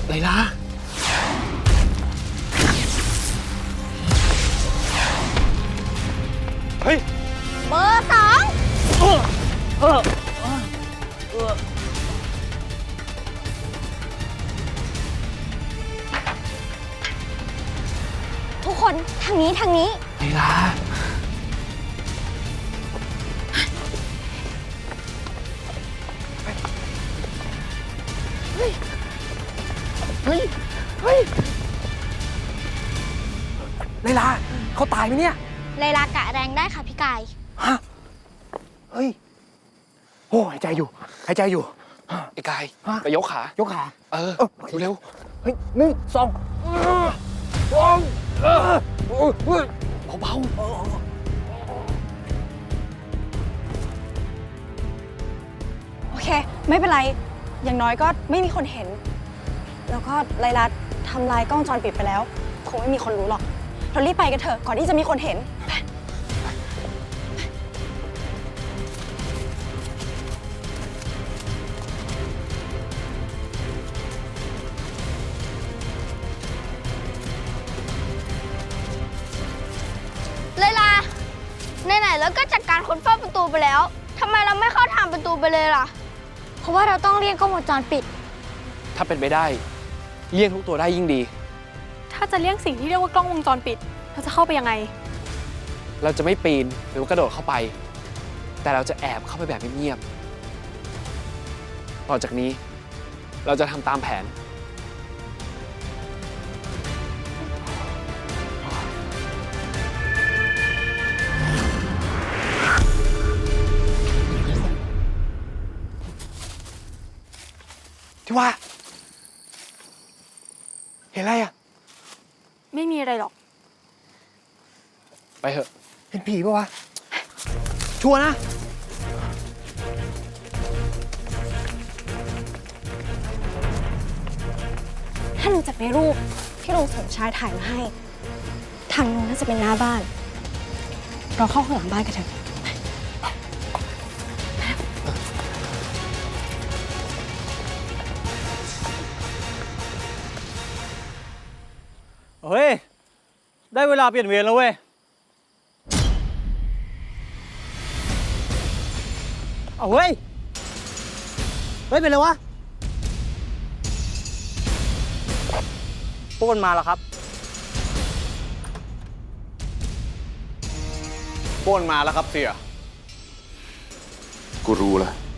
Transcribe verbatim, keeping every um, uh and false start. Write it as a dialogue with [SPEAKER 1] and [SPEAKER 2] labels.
[SPEAKER 1] ไลลาเฮ้ย
[SPEAKER 2] เบอร์สอง
[SPEAKER 1] เออเออเออ
[SPEAKER 2] ทุกคนทางนี้ทางนี้
[SPEAKER 1] ไลลาเฮ้ยเฮ้ยเฮ้ยไลลาเขาตายไหมเนี่ย
[SPEAKER 2] ไลลากะแรงได้ค่ะพี่กาย
[SPEAKER 1] ฮะเฮ้ยโอ้หายใจอยู่หายใจอยู่ไอ้กายไปยกขายกขาเออเร็วเฮ้ยหนึ่งสองสองเบาๆ
[SPEAKER 3] โอเคไม่เป็นไรอย่างน้อยก็ไม่มีคนเห็นแล้วก็ไลลาทำลายกล้องวงจรปิดไปแล้วคงไม่มีคนรู้หรอกเรารีบไปกันเถอะก่อนที่จะมีคนเห็น
[SPEAKER 2] ไลลาไหนๆแล้วก็จัดการคนเฝ้าประตูไปแล้วทำไมเราไม่เข้าทางประตูไปเลยล่ะเพราะว่าเราต้องเรียกกล้องวงจรปิด
[SPEAKER 1] ถ้าเป็นไปได้เลี่ยงทุกตัวได้ยิ่งดี
[SPEAKER 3] ถ้าจะเลี่ยงสิ่งที่เรียกว่ากล้องวงจรปิดเราจะเข้าไปยังไง
[SPEAKER 1] เราจะไม่ปีนหรือว่ากระโดดเข้าไปแต่เราจะแอบเข้าไปแบบเงียบๆต่อจากนี้เราจะทำตามแผนที่ว่าเห็นอะไรอ่ะ
[SPEAKER 3] ไม่มีอะไรหรอก
[SPEAKER 1] ไปเถอะเห็นผีปะวะชัวร์นะ
[SPEAKER 3] ถ้าลุงจะไปรูปที่ลุงสมชายถ่ายมาให้ทางนู้นน่าจะเป็นหน้าบ้านเราเข้าข้างหลังบ้านกันเถอะ
[SPEAKER 4] เฮ้ยได้เวลาเปลี่ยนเวรแล้วเว้ยเอาเฮ้ยเฮ้ยเป็นไรวะพวกมันมาแล้วครับพวกมันมาแล้วครับเสี่ย
[SPEAKER 5] กูรู้แล้ว